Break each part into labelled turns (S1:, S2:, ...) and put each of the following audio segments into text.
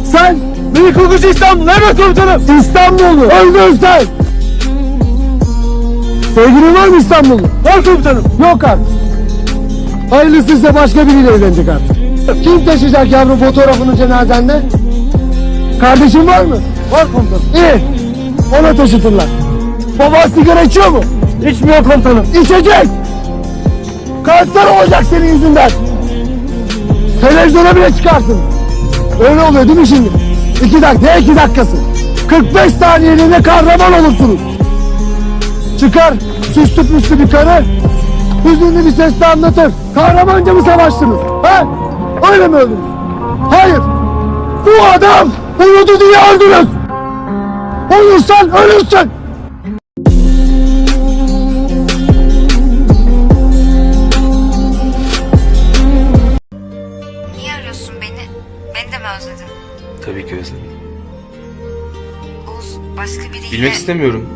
S1: Sen beni kokucu İstanbul. Evet komutanım. İstanbul'u öldün sen. Sevgilin var mı İstanbul'u? Var komutanım. Yok artık. Hayırlısıysa başka biriyle evlenecek artık. Kim taşıyacak yavrum fotoğrafını cenazende? Kardeşin var mı? Var komutanım. İyi. Ona taşıtırlar. Baba sigara içiyor mu? İçmiyor komutanım. İçecek. Kanser olacak senin yüzünden. Televizyona bile çıkarsın. Öyle oluyor değil mi şimdi? 2 dakika, ne 2 dakikası? 45 saniyeliğine kahraman olursunuz. Çıkar süslü püslü bir karı, hüzünlü bir sesle anlatır. Kahramanca mı savaştınız? Ha? Öyle mi öldünüz? Hayır. Bu adam uyudu diye öldünüz. Uyursan ölürsün.
S2: Niye arıyorsun beni? Beni de mi özledin?
S3: Tabii ki özledim.
S2: Oğuz başka biriyle...
S3: Bilmek istemiyorum.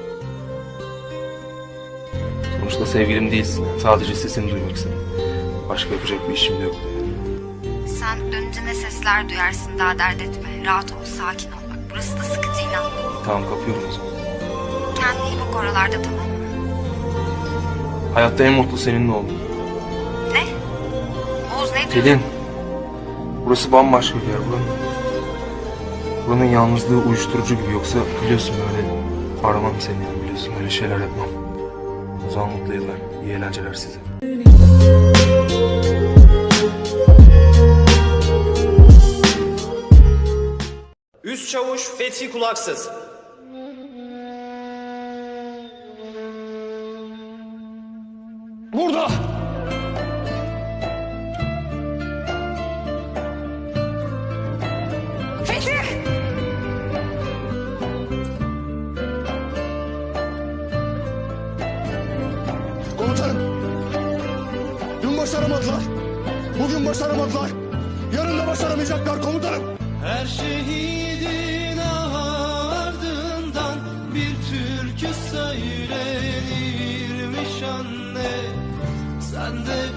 S3: Sonuçta sevgilim değilsin. Sadece sesini duymak istedim. Başka yapacak bir işim de yok.
S2: Sen dönünce ne sesler duyarsın, daha dert etme. Rahat ol, sakin ol. Bak burası da sıkıcı, inan.
S3: Tamam, kapıyorum o zaman.
S2: Kendine iyi bak oralarda, tamam mı?
S3: Hayatta en mutlu seninle oldum.
S2: Ne? Oğuz ne diyorsun?
S3: Pelin. Burası bambaşka bir yer. Buranın yalnızlığı uyuşturucu gibi. Yoksa biliyorsun böyle aramam seni yani, biliyorsun öyle şeyler yapmam. O zaman mutlu yıllar. İyi eğlenceler size.
S4: Üst Çavuş Fethi Kulaksız.
S1: Burada.
S5: Komutanım, dün başaramadılar, bugün başaramadılar, yarın da başaramayacaklar komutanım.
S6: Her şehidin ardından bir türkü söylenirmiş anne. Sen de